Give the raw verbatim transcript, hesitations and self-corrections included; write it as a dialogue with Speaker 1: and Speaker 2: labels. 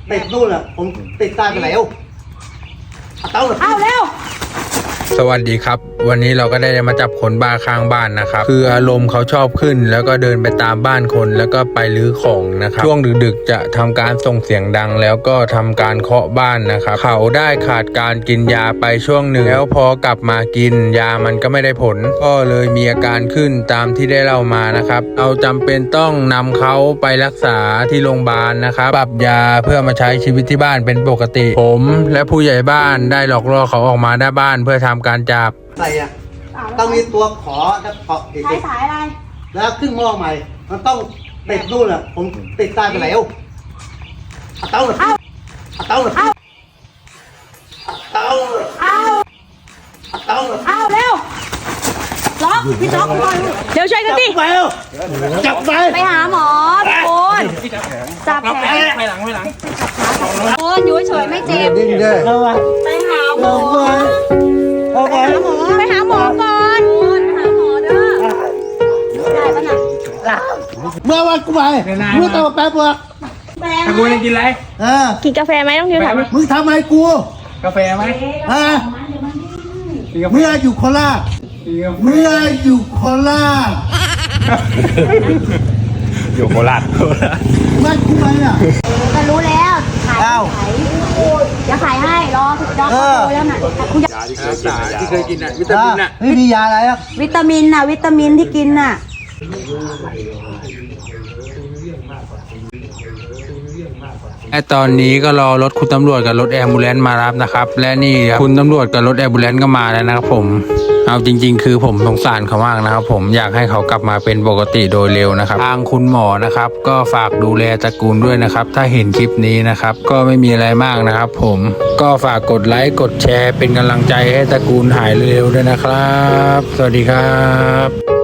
Speaker 1: ติดนู่นแหละผมติดตายไปแล้วเอาเอาเร็ว
Speaker 2: สวัสดีครับวันนี้เราก็ได้มาจับคนบ้าข้างบ้านนะครับคืออารมณ์เขาชอบขึ้นแล้วก็เดินไปตามบ้านคนแล้วก็ไปรื้อของนะครับช่วงดึกๆจะทำการส่งเสียงดังแล้วก็ทำการเคาะบ้านนะครับเขาได้ขาดการกินยาไปช่วงหนึ่งแล้วพอกลับมากินยามันก็ไม่ได้ผลก็เลยมีอาการขึ้นตามที่ได้เล่ามานะครับเราจำเป็นต้องนำเขาไปรักษาที่โรงพยาบาลนะครับปรับยาเพื่อมาใช้ชีวิตที่บ้านเป็นปกติผมและผู้ใหญ่บ้านได้หลอกล่อเขาออกมาหน้าบ้านเพื่อทำการจับ
Speaker 1: ใส่อะต้องมีตัวขอแล้วเกาะอีก
Speaker 3: ใช้สายอะไร
Speaker 1: แล้วขึ้นหม้อใหม่มันต้องติดนู่นแหละผมติดตายไปแล้วเอาเอาเอาเอาเอาเอาเอา
Speaker 3: เอาเร็วล็อกพี่ล็อกก่อนเดี๋ยวช่วยกันดิ
Speaker 1: ไปเร็วจับไป
Speaker 3: ไปหาหมอทุกคนจับแขน
Speaker 4: ไปหลังไปหลัง
Speaker 3: โอนอยู่เฉยไม่เจ็บ
Speaker 1: ดิ้นเลย
Speaker 3: ไปหาหมอ
Speaker 1: เอาไป
Speaker 3: ไปหาหมอก่อนหาหมอเด้อได้ปะน่ะ
Speaker 1: เมื่อวันกูไปเมื่อตอนแป๊บเมื่อ
Speaker 3: แบง
Speaker 4: กูจะกินอะไร
Speaker 1: เออ
Speaker 3: กินกาแฟไหมต้องกินถาม
Speaker 1: มึงทำอะไรกู
Speaker 4: กาแฟไหม
Speaker 1: ฮะเมื่ออยู่โคราชเมื่ออยู่โคราช
Speaker 4: อยู่โคราช
Speaker 1: ไม่กูไปอ่ะ
Speaker 3: จะรู้แล้วขาย
Speaker 1: อ้าว
Speaker 3: ขายจะขายให้รอรอ
Speaker 1: เออ
Speaker 3: เขาแล้วน่ะคุณจะ
Speaker 2: รักษาที่เคยกินอ่ะวิตามินอ่ะ
Speaker 1: ไม่มียาอะไรอ่ะ
Speaker 3: วิตามินน่ะวิตามินที่กินน่ะ
Speaker 2: และตอนนี้ก็รอรถคุณตำรวจกับรถแอมบูเลนซ์มารับนะครับและนี่คุณตำรวจกับรถแอมบูเลนซ์ก็มาแล้วนะครับผมเอาจริงๆคือผมสงสารเขามากนะครับผมอยากให้เขากลับมาเป็นปกติโดยเร็วนะครับทางคุณหมอนะครับก็ฝากดูแลตระกูลด้วยนะครับถ้าเห็นคลิปนี้นะครับก็ไม่มีอะไรมากนะครับผมก็ฝากกดไลค์กดแชร์เป็นกำลังใจให้ตระกูลหายเร็วๆด้วยนะครับสวัสดีครับ